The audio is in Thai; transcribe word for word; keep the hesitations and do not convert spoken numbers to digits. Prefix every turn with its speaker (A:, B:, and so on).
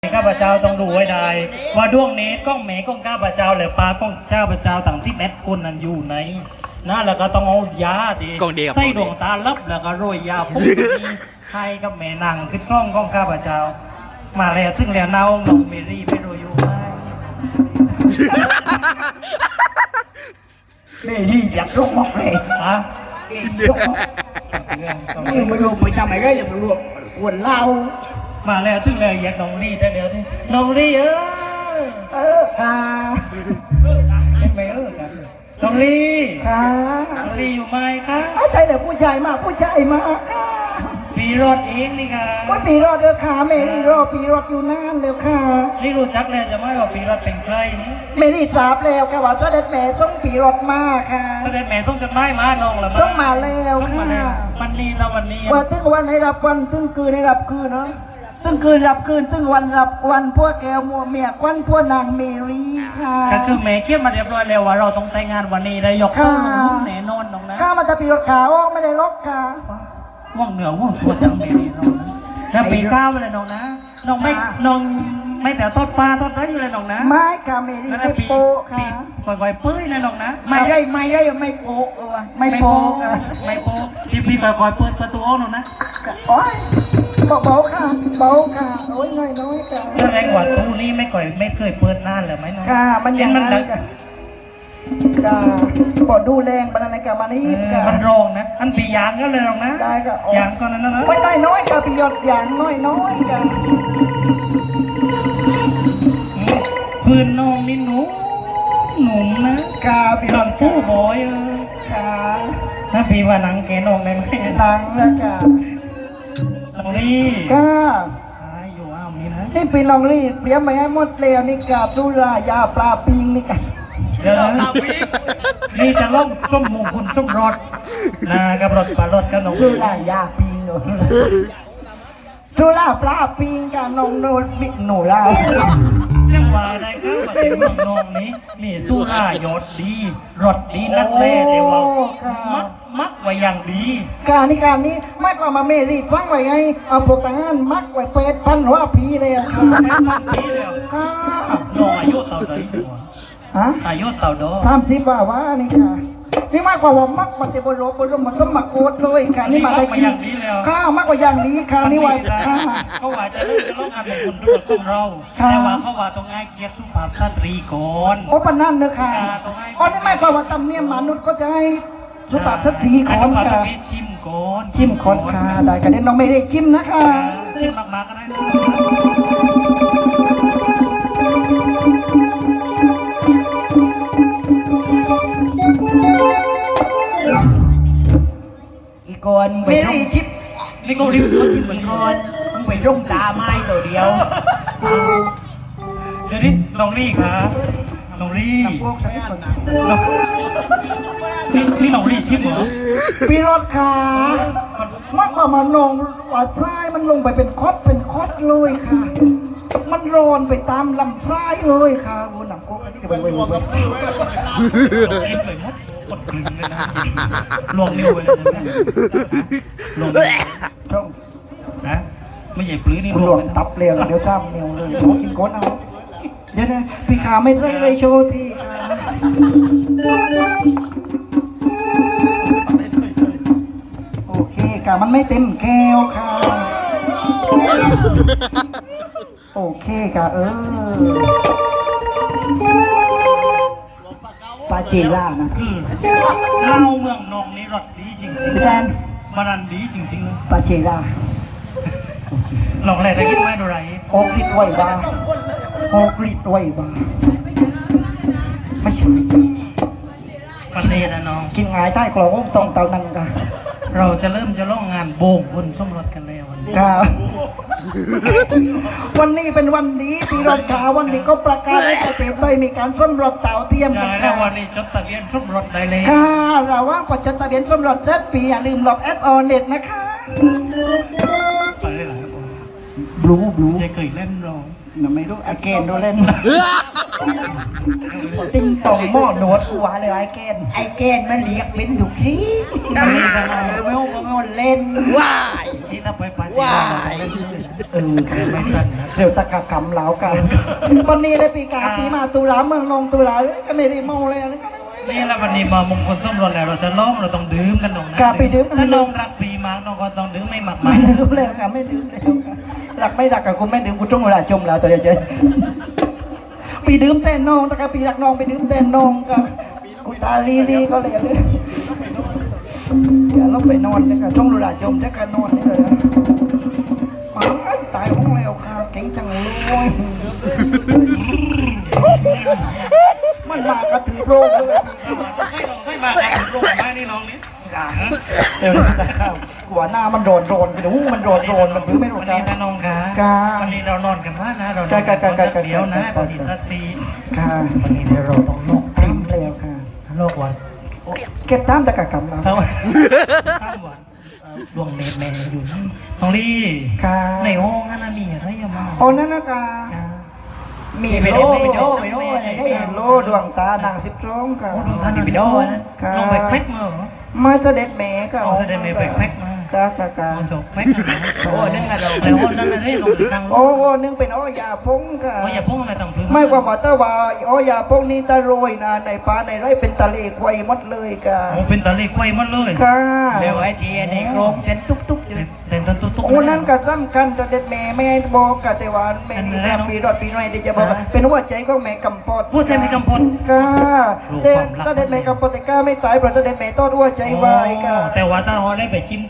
A: ข้าพเจ้าต้องดูไว้ได้ว่าดวงนี้ก้องเมก้องข้าพเจ้าหรือปลาก้องข้าพเจ้าต่างที่แมทคนนั้นอยู่ไหนนะแล้วก็ต้องเอายาดีใส่ดวงตาลับแล้วก็โรยยาปุ๊บนี้ให้กับแม่นางขึ้นช่องก้องข้าพเจ้ามาแล้วถึงแล้วเนาน้องเมรี่ไม่โรยอยู่ไหมเมรี่อยากรกมากเลยฮะ
B: นี่มาดูไปทำไมก็อย่ามาลวกขวดเหล้า
A: มาแล้วถึงแล้วอยากน้องรี่ได้เดี๋ยวนี้น้องรี่เออ
B: เออค่ะ
A: ไม่เออกันน้องรี่
B: ค่ะ
A: น้องรี่อยู่ไหมคะ
B: ไอ้ใจเดี๋ยวผู้ชายมาผู้ชายมาค่ะ
A: ปีรถเองนี่ค่ะ
B: ว่าปีรอดเด้อค่ะเมรี่รอปีรอดอยู่นานแล้วค่ะ
A: นี่รู้จักแล้วจะไม่ว่าปีรถเป็นใครนี่
B: เมรี่ทราบแล้วค่ะว่าเสด็จแม่ส่งปีรอดมาค่ะ
A: เสด็จแม่ต้องจะไม่มาน้องละ
B: ส่งมาแล้วค่ะ
A: มันนี่แล้ววันนี้
B: ว่าตึ้งวันให้รับวันตึ้งคืนให้รับคืนเนาะตึ้งคืนรับคืนตึ้งวันรับวันพวกแก้วมัวเมียควันพวกนางเมรี่ค่ะ
A: ก็คือแม่เขียนมาเรียบร้อยแล้วว่าเราต้องแต่งงานวันนี้ได้ยกเข้าลงแน่นอนน้องนะ
B: ข้ามันจะปีรถขาวไม่ได้ล็อกค่ะ
A: ว่องเหนือว่องตัวจังเมรี่น้องนะแล้วปีก้าวเลยน้องนะน้องไม่น้องไม่แต่ต้นปลาต้นไรอยู่เลยน้องนะ
B: ไม่ค่ะเมรี่ไม่โปค่ะ
A: ก่อยๆปื้ยเลยน้องนะ
B: ไม่ได้ไม่ได้ไม่โปเออไม่โป
A: ไม่โปพี่พี่ก่อยๆเปิดประตูอ้อน้องนะ
B: โอ้ยเบาๆค่ะเบาค่ะโอ้ยน้อยน้อยค่ะ
A: แสดงว่าตู้นี้ไม่ก่อยไม่เคยเปิดนานเลยไหมน้อง
B: ค่ะมันยังมันค่ะค่ะปอดดูแรงมันอะไรกับมันนี่ค่ะ
A: มันโรงนะอันปียางก็เลยน้องนะ
B: ได้ค่ะ
A: ยางก็นั้นนะ
B: ไม่น้อยน้อยค่ะพี่ยอดยางน้อยน้อยค่ะ
A: พื้นน้องนี่หนูหนุ่มนะ
B: กาพี่
A: หลังตู้บอยเออ
B: ค่ะ
A: ถ้าพี่ว่านังแกนองได้ไหม
B: นังแล้วค่ะ
A: น้องลี่
B: ค่ะ
A: อยู่อ้าวนี่นะ
B: นี่เป็นน้องลี่เตรียมมาให้หมดแล้วนี่กาบสุรายาปลาปิงนี่กัน
A: เดี๋ยวนี่จะล่องส้มมูคุณส้มรสนะกับรถปลารถกับน้อง
B: สุรายาปิงหนูสุราปลาปิงกับน้องโนบิหนูล่า
A: เรื่องว่าได้ครับมาถึงเมืองนองนี้มีสุรายศดีรถดีนักเล่เดียวมักมักไว้อย่างดี
B: การนี้การนี้ไม่ก็มาเมรีฟังไว้ไงเอาพวกทหารมักไว้เป็ดพันหัวผีเลยค่ะ
A: พันผีเลยค่ะน้องอายุเท่าไหร่
B: ฮะ
A: อายุเท่าดอ
B: สามสิบว่าว่านี่ค่ะนี่มากกว่าว่ามักมันจะบรบบรมันต้องมาโคตรเลยค่ะนี่มาได้กินข้าวมากกว่าอย่างนี้ค่ะนี่ว่า
A: เขาว่าจะเลิกจะร้องงานของคนด้วยของเราแต่ว่าเขาว่าต้องง่ายเกียรติสุภาพสตรีก่อน
B: โอ้ปนั่นเนอะค่ะอ๋อนี่ไม่กว่าว่าตำเนียมมนุษย์ก็จะให้สุภาพสตรีก่อนค่ะ
A: ชิมก่อน
B: ชิมก่อนค่ะได้กันเด่นน้องไม่ได้ชิมนะคะ
A: ชิมมากๆก็ได้
B: อีกอน
A: ไม่รีชิปนี่ก็รีบเขาชิมเหมือนกันมึงไปร่มตาไม้ตัวเดียวเดี๋ยวนี้น้องรี่ครับน้องรี่นี่นี่น้องรี่ชิมเหรอ
B: พี่รถค่ะมากกว่ามานองว่าทรายมันลงไปเป็นคอดเป็นคอดเลยค่ะมันร้อนไปตามลำทรายเลยค่ะโอ้หนังโก๊กอันนี้ไปไปไป
A: กินเลยมดกดกลืนเลยนะลวงนิ้วไปเลยนะลวงช่องนะไม่ใช่ปลื้นี่
B: ลวงตับเลี้ยงเดี๋ยวจ้ามเนียวเลยโอ้กินก้นเอาเดี๋ยวนะพี่ขาไม่ใช่เลยโชว์ที่ค่ะโอเคกะมันไม่เต็มแก้วค่ะโอเคกะเออปาเจล่านะ
A: คือเล่าเมืองนองนี่รสดีจริงๆ
B: พี่แดน
A: มันรันดีจริงๆเลย
B: ปาเจล่า
A: ลองอะไรได้กินไหมดูไร
B: โอกฤษไว้บ้างโอกฤษไว้บ้างไม่ใช่
A: ประเด็นนะน้อง
B: กินหายใต้กล่องตรงเตานังกัน
A: เราจะเริ่มจะล่องงานโบกคนสมรสกันแล้ววันนี้
B: ครับวันนี้เป็นวันดีปีรถขาววันนี้ก็ประกาศให้ประเทศไทยมีการสมรสเต่าเทียมกันค่ะ
A: วันนี้จดทะเบียนสมรสได้เลย
B: ค่ะเราว่างประจดทะเบียนสมรสเจ็ดปีอย่าลืมหลอกแอดออนเน็ตนะคะ
A: ไปได้หลายคน
B: บลูบลู
A: จะเคยเล่นเรา
B: ยังไม่รู้ไอเกนดูเล่นติ้งตองหม้อหนวดหัวเลยไอเกนไอเกนมันเรียกเป็นดุกที
A: นั่นเองนะ
B: ไม่โอ้ไม่โอ้เล่น
A: ว้ายนี่ถ้าไปปาจีนเราต้องเล่นด้วยนะ
B: เออ
A: แต่ไม่ทันนะ
B: เดี๋ยวตะกะกำเหลากันวันนี้ได้ปีกาปีมาตุลาเมืองนองตุลาก็ไม่ได้เมาเลยนะ
A: นี่แล้ววันนี้มามงคลสมรสแล้วเราจะร้องเราต้องดื่มกันตรงนั้น
B: กาไปดื่มกัน
A: ถ้าน้องรักปีมากน้องก็ต้องดื่มไม่หมักมั
B: ไม่
A: น
B: ดื่มแล้วค่ะไม่ดื่มแล้วค่ะรักไม่รักกับกูไม่ดื่มกูจ้องเวลาจมแล้วตัวเดียวเจนปีดื่มเต้นน้องตะกะปีรักน้องไปดื่มเต้นน้องกับกูตาลีลีก็เลยเลยอย่าลงไปนอนเลยค่ะจ้องเวลาจมจะกันนอนนี่เลยนะมาตายห้องแล้วค่ะเก่งจังเลยมันมากระถือโรคเลย
A: ให้มาแต่งรูปมานี่น้องนี่
B: เดี๋ยวจะเข้าหัวหน้ามันโดนโดนไปดูมันโดนโดนมันพื้นไม่โด
A: วัน นนี้นะน้องคะ
B: กา
A: วันนี้เรานอนกันมากนะเรานอน
B: กา
A: กัน
B: กากา
A: คนเดียวนะพอดีสติ
B: ค่ะ
A: วันนี้เดี๋ยวเราต้องโลก
B: พิมพ์แล้วค่ะ
A: โลกวัน
B: เก็บท่ามตะกะกำเรา
A: ทั้งวันทั้งวันดวงเนตรแม่อยู่นี่น้องลี่
B: ค่ะ
A: ในห้องนั่นมีอะไรอย่ามา
B: โอ้นั่นนะกามีโลมีโลมีโลมีโลดวงตานางสิบสองค่ะ
A: โอ้ดูท่านนี่ไปโดนน้องไปแคล็กมาเหรอ
B: มาเสด็จแม่ก็
A: อ๋อเสด็จแม่ไปแคล็กมา
B: กากากา
A: โอ้จบแคล็กนะโอ้นั่นไงเราแล้วนั่นอะไรลงทาง
B: โอ้โอ้นึงเป็นอ้อยาพงค่ะ
A: โอ้อย่าพุ่งอะไรต่างพื้น
B: ไม่ว่าหมอตาว่าอ้อยาพงนี้ตาโรยนะในป่าในไร่เป็นตะเลควายหมดเลยค่ะ
A: โอ้เป็นตะลิกไว้หมดเลย
B: ค่ะ
A: เร็วไอ้ทีในกรมเป็นตุ๊กตุ๊กอยู่เต้นตุ๊กตุ๊ก
B: โอ้นั่นก็สำคัญแต่เด็ดแม่แม่บอกกะแต่ว่าแม่นี่นะปีรอดปีน้อยเดี๋ยวจะบอกว่าเป็นหัวใจของแม่กำปอด
A: พูดใจไม่กำพล
B: ค่ะเด็ดถ้าเด็ดแม่กำปอดแต่กล้าไม่ตายเพราะถ้าเด็ดแม่ต้อนหัวใจวายค่ะ
A: แต่ว่าถ้าเราได้ไปจิ้ม